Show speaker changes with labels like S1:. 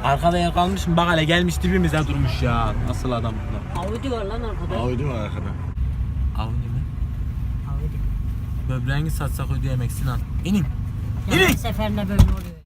S1: Arkada yer kalmış mı? Bak hele gelmiş dibimize durmuş ya. Nasıl adam bunlar?
S2: Audi var lan arkada.
S3: Audi var arkada.
S1: Audi mi?
S2: Audi.
S1: Böbreğini satsak ödeyemek Sinan. İnin.
S2: Ya her seferinde böyle oluyor.